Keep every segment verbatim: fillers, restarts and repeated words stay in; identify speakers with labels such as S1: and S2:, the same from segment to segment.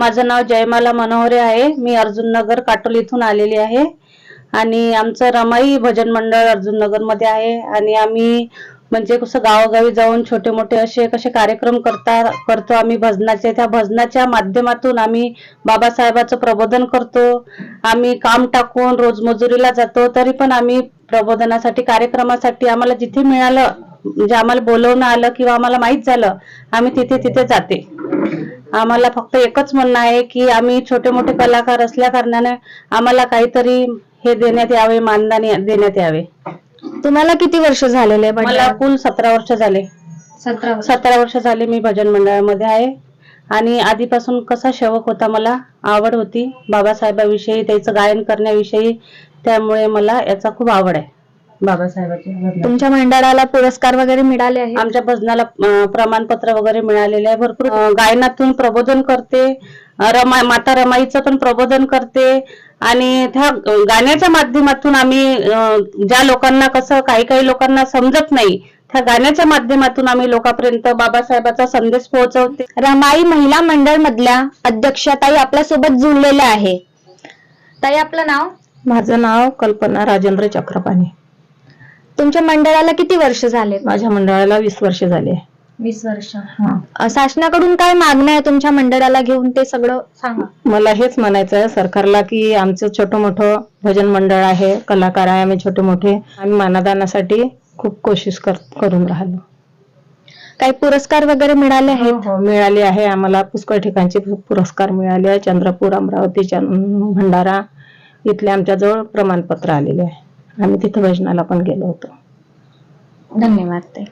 S1: माझं नाव जयमाला मनोहरे आहे। मी अर्जुननगर काटोल इथून आलेली आहे आणि आमचं रमाई भजन मंडळ अर्जुननगर मध्ये आहे आणि आम्ही म्हणजे कसं गावोगावी जाऊन छोटे मोठे असे कसे कार्यक्रम करता करतो आम्ही भजनाचे। त्या भजनाच्या माध्यमातून आम्ही बाबासाहेबांचं प्रबोधन करतो। आम्ही काम टाकून रोज मजुरीला जातो तरी पण आम्ही प्रबोधनासाठी कार्यक्रमासाठी आम्हाला जिथे मिळालं म्हणजे आम्हाला बोलवणं आलं किंवा आम्हाला माहित झालं आम्ही तिथे तिथे जाते। आम्हाला फक्त एकच म्हणणं आहे की आम्ही छोटे मोठे कलाकार असल्या कारणाने आम्हाला काहीतरी हे देण्यात यावे, मानधन देण्यात यावे।
S2: तुम्हाला किती वर्ष झालेले?
S1: मला कुल सतरा वर्ष झाले।
S2: सतरा
S1: सतरा वर्ष झाले मी भजन मंडळामध्ये आहे आणि आधीपासून कसा शौक होता, मला आवड होती बाबासाहेबांविषयी, त्याचं गायन करण्याविषयी, त्यामुळे मला याचा खूप आवड आहे बाबासाहेबांची।
S2: तुमच्या मंडळाला पुरस्कार वगैरे मिळाले आहेत?
S1: आमच्या भजनाला प्रमाणपत्र वगैरे मिळालेले आहे भरपूर। गायनातून प्रबोधन करते, रमा माता रमाईचं पण प्रबोधन करते आणि त्या गाण्याच्या माध्यमातून आम्ही ज्या लोकांना कसं काही काही लोकांना समजत नाही त्या गाण्याच्या माध्यमातून आम्ही लोकांपर्यंत बाबासाहेबांचा संदेश पोहोचवते।
S2: रमाई महिला मंडळ मधल्या अध्यक्षा ताई आपल्या सोबत जुळलेल्या आहे। ताई आपलं नाव?
S1: माझं नाव कल्पना राजेंद्र चक्रपाणी।
S2: तुमच्या मंडळाला किती वर्ष झाले?
S1: माझ्या मंडळाला वीस वर्ष झाले।
S2: वीस वर्ष। शासनाकडून काय मागणं आहे तुमच्या मंडळाला घेऊन ते सगळं सांगा।
S1: मला हेच म्हणायचं आहे सरकारला की आमचं छोटं मोठं भजन मंडळ आहे, कलाकार आहे आम्ही छोटे मोठे, आम्ही मानधनासाठी खूप कोशिश कर, करून राहिलो।
S2: काही पुरस्कार वगैरे मिळाले आहेत?
S1: हो मिळाले आहे, आम्हाला पुष्कळ ठिकाणचे पुरस्कार मिळाले आहे। चंद्रपूर, अमरावती, भंडारा इथले आमच्या जवळ प्रमाणपत्र आलेले आहे। आम्ही तिथे भजनाला पण गेलो होतो।
S2: धन्यवाद ताई।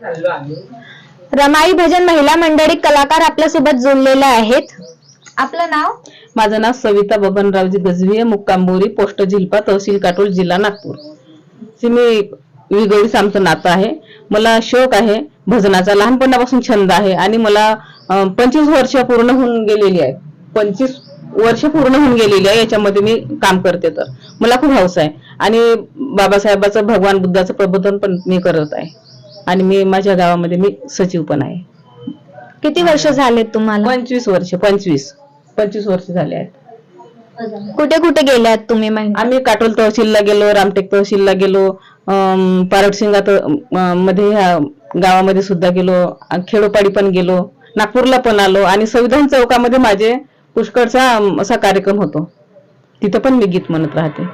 S2: रमाई भजन महिला मंडळी कलाकार आपल्या सोबत जोडलेले आहेत। आपलं नाव?
S1: माझं नाव सविता बबनरावजी गजवी, मुक्काम बोरी, पोस्ट झिलपा, तहसील काटोल, जिल्हा नागपूर। मी विगोळीच आमचं नातं आहे। मला शौक आहे भजनाचा, लहानपणापासून छंद आहे आणि मला पंचवीस वर्ष पूर्ण होऊन गेलेली आहे। पंचवीस वर्ष पूर्ण होऊन गेलेली आहे याच्यामध्ये मी काम करते, तर मला खूप हौस आहे आणि बाबासाहेबांचं, भगवान बुद्धाचं प्रबोधन पण मी करत आहे आणि मी माझ्या गावामध्ये मी सचिव पण आहे।
S2: किती वर्ष झाले तुम्हाला?
S1: पंचवीस वर्ष पंचवीस पंचवीस वर्ष झाले आहेत।
S2: कुठे कुठे गेल्यात तुम्ही?
S1: आम्ही काटोल तहसीलला गेलो, रामटेक तहसीलला गेलो, पारटसिंगा मध्ये गावामध्ये सुद्धा गेलो, खेडोपाडी पण गेलो, नागपूरला पण आलो आणि संविधान चौकामध्ये माझे पुष्कळचा असा कार्यक्रम होतो, तिथं पण मी गीत म्हणत राहते।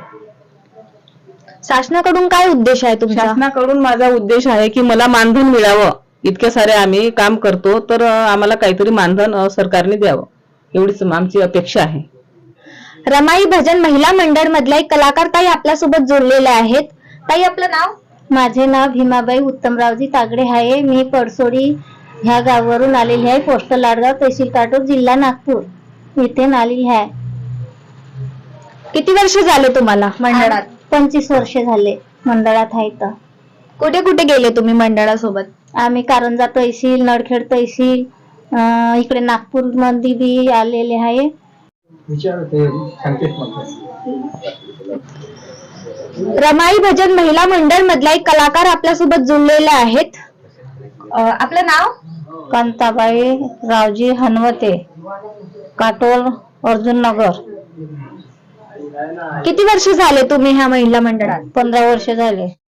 S2: शासनाकडून काय उद्देश आहे तुमचा?
S1: शासनाकडून माझा उद्देश आहे की मला मानधन मिळावं। इतके सारे आम्ही काम करतो तर आम्हाला काहीतरी मानधन सरकारने द्यावं, एवढीच आमची अपेक्षा आहे।
S2: रमाई भजन महिला मंडळ मधल्या एक कलाकार ताई आपल्या सोबत जोडलेल्या आहेत। ताई आपलं नाव?
S3: माझे नाव भीमाबाई उत्तमरावजी तागडे आहे। मी पडसोडी ह्या गावावरून आलेली आहे, पोस्ट लाडगाव, तहसील काटोल, जिल्हा नागपूर इथे आलेली आहे।
S2: किती वर्ष झाले तुम्हाला मंडळात?
S3: पंचवीस वर्ष झाले मंडळात आहे। तर
S2: कुठे कुठे गेले तुम्ही मंडळासोबत?
S3: आम्ही कारंजा तहसील, नडखेड तहसील, इकडे नागपूर मध्ये बी आलेले आहे।
S2: रमाई भजन महिला मंडळ मधला एक कलाकार आपल्या सोबत जुळलेले आहेत। आपलं नाव?
S3: कांताबाई रावजी हनवते, काटोल, अर्जुननगर।
S2: किती वर्ष झाले तुम्ही ह्या महिला मंडळात?
S3: पंधरा वर्ष झाले।